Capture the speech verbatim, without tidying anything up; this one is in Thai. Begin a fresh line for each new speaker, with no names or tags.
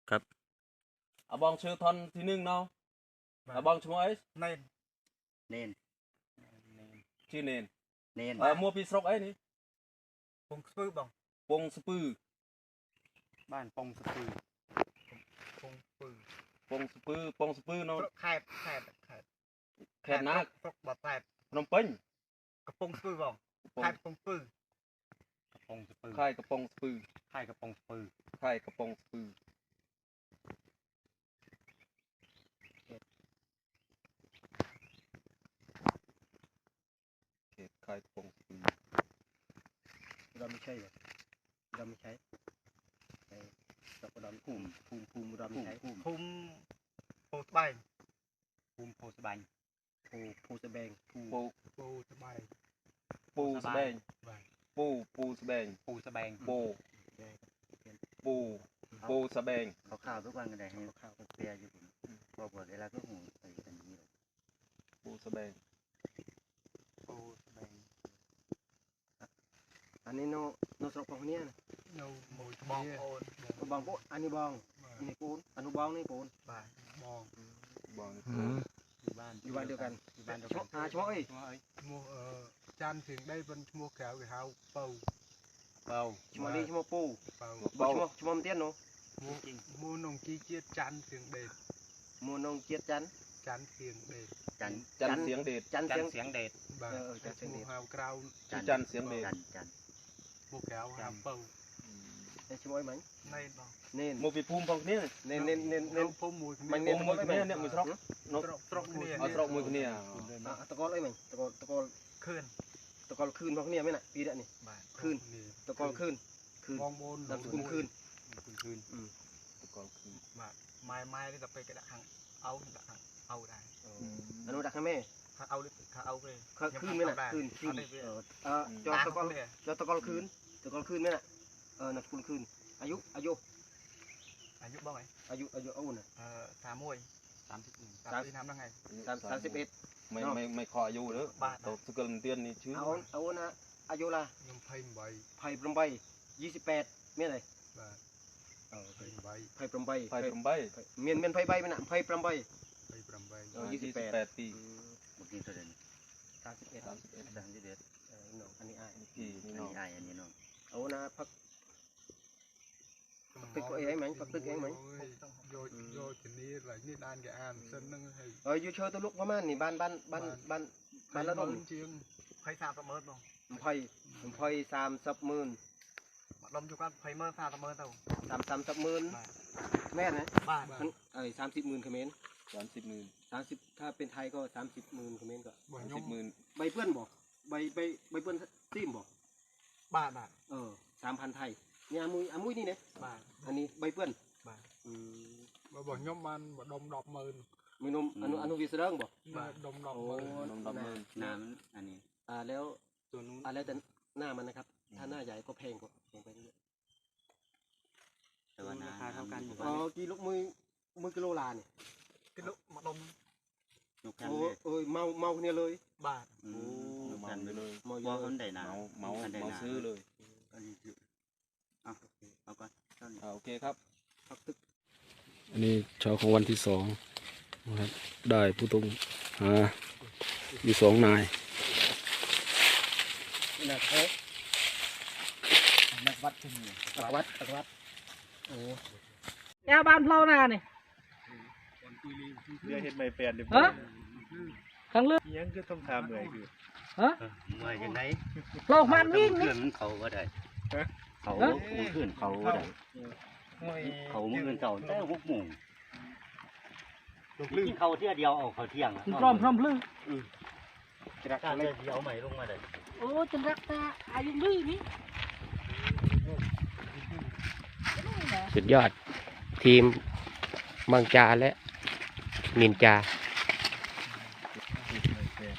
ครับอาบองชื่อทอนที่หนึ่งเนาะอาบองชื่อไอ้เนน
เนน
ชื่อเนน
เนน
เออมัวปีสกไอ้นี่
ปงสปื้อบอง
ปงสปือ
บ้านปงสปือ
ปงปื้อ
ปงสปือปงสปือเนาะ
แคบแคบแคบ
แคบนัก
ปกบดแคบ
พนมเปิ้ง
กระปงสปื้อบองแคบปงปื้
กระปงสปือ
ค่ายกระปงสปือ
ค่ายกระปงสปือ
ค่ายกระปงสปือค่ายกระปงสปือ
เราไม่ใช่เลยเราไม่ใช่ไอ้ตะกอนภูมิภูมิภูมิเราไม่ใช่ภูมิ
ภูมิโพสบาย
ภูมิโพสบายภูภูสแบงภู
ปู
ปูสบาย
ปูสแบงปูปูสแบง
ปูสแบง
ปูปูปูสแบง
เขาข่าวทุกวันกันได้ให้ข่าวเปียอยู่บอกว่าเวลาก็หูไปกันนี้
ปูสแบง
ปูสแบง
อันนี้โนโนสระปองเนี่ยนะ
โนมวยบองโอน
บองปุ๊อันนี้บองอันนี้ปูนอันนู้บองนี่ปูน
บ่ายบอง
บอง
อยู่บ้านอยู่บ้านเดียวกันอยู่บ้านเดียวกันอ่าช่วย
มัวเอ่อจานถึงได้เป็นมัวแขวกับเฮาเป่า
เป่าช่วยดีช่วยปู
เป่า
ช่วยช่วยมันเตี้ยนเนาะ
มัวมัวนงจีเจียจานถึงเด็ด
มัวนงเจียจัน
จานเสียงเด็ด
จัน
จันเสียงเด็ด
จันเสียงเด็ด
บ่ายจันเสียงเด็ดเฮากราว
จันเสียงเด็ด
จัน
มัวแขวเฮาเป่า
ไอ้ช่วยไหม
เน้นบอง
เน้น
มัวปีภูมิพองเนี่ย
เน้นเน้นเน้นเน้น
ภูมิมวย
มันเน้นมวยเนี่ยเนี่ยมือตรอก
นกตรอกเนี่ย
เอาตรอกมือเนี่ย
ตะกอนเลยมั้ยตะกอนตะกอน
คืน
ตะกอนคืนพองเนี่ยไหมน่ะปีเดียวนี่คืนตะกอนคืนคืน
มองบน
นำสกุลคืน
คืนคืนตะกอนคืน
มาไม้ไม้ที่จะไปกระดักหังเอาดักหังเอาได้
อนุดักให้แม่
ถ้าเอาถ้าเอาเลย
คืนไหมน่ะคืนคืนเออเออจอตะกอนจอตะกอนคืนตะกอนคืนไหมน่ะเออนำสกุลคืนอายุอายุ
อายุบ้างไหม
อายุอายุเอาน่ะ
เออสามมวย
สามสิบหนึ่ง
สามสิบทำได้ไง
สามสามสิบเอ็ด
ไม่ไม่ไม่ขออายุเด้อตัวสกุลเตี้ยนนี่ชื่อ
เอาเอานะอายุละ
ยังไพ่ใบ
ไพ่ปรมใบยี่สิบแปดเมียอะไร
เออไพ่ใบ
ไพ่ปรมใบ
ไพ่ปรมใบ
เมียนเมียนไพ่ใบมันอ่ะไพ่ปรมใบ
ไพ่ปรมใบ
ยี่สิบแปดปี
เมื่อกี้ตัวเด่นสามสิบเอ็ดสามสิบเอ็ดสามสิบเอ็ดเออน้องอันนี้ไอ้
พี่นี่น้อง
ไอ้อันนี้น้องเอานะพักตึกเองไหมพักตึกเองไหม
โยโยทีนี้อะไรนี่ด้านแกอ่านเส้นนึงให้
เอออยู่เชิญตัวลูกประมาณนี่บ้านบ้านบ้านบ้านบ้านละต้น
จริงไพ่สามสามเมิร์ดบ้าง
ไพ่ไพ่สามสับหมื่น
ลมอยู่กันไพ่เมิร์ดสามสามเมิร์ดเท่า
สามสามสับหมื่นแม่นะ
บ้าน
เออสามสิบหมื่นเขมร
สามสิบหมื่น
สามสิบถ้าเป็นไทยก็สามสิบหมื่นเขมรก็
สามสิบหมื่น
ใบเปื้อนบอกใบใบใบเปื้อนซิมบอก
บ้านบ้าน
เออสามพันไทยเนี่ยอามุยอามุยนี่เนี่ย
บ้าน
อันนี้ใบเปื้อน
บ้านอืมบ่บ่ยมมันบ่ดมดอกหมื่น
มีนมอนุอนุวิสเริงบอก
ดมดอกหมื่น
ดมดอกหมื่น
น้ำอันนี้อ่าแล้วตัวนู้นอ่าแล้วแต่หน้ามันนะครับถ้าหน้าใหญ่ก็แพงกว่าแพงไปเรื่อยแต่ว่าราคาเท่ากันอยู่อ๋อกิโลมือมือกิโลลาเนี่ย
กิโลมาดม
โอ้เอ้ยเมาเมาเนี่ยเลย
บ้าน
โอ้เมาเลย
เมาเยอะ
เมาเมาเมาซื้อเลย
อ่ะเอาก่อน
อ่าโอเคครับ
อันนี้เช้าของวันที่สองนะครับได้ผู้ต้องหาอยู่สองนาย
นักเอ๊ะนักวัดที่นี่นักวัดนักวัดโอ้
แอวบ้านเราหน้านี่
เรื่องเห็นไม่เปลี่ยนเลย
ฮะข้างเลือก
ยังก็ต้องทำเลยคือ
ฮะ
เมื่อยยังไง
เรามันวิ่ง
นี่มันเขาก็ได้เขาขึ้นเขาได้เขาเมื่อเก่าแต่พวกหมู่กินเขาเที่ยเดียวเอาเขาเที่ยง
พร้อมพร้อมลึก
จะรักเลยเดียวใหม่ลงมาเลย
โอ้จะรักตาอายุลึกนี่
สุดยอดทีมมังจาและนินจา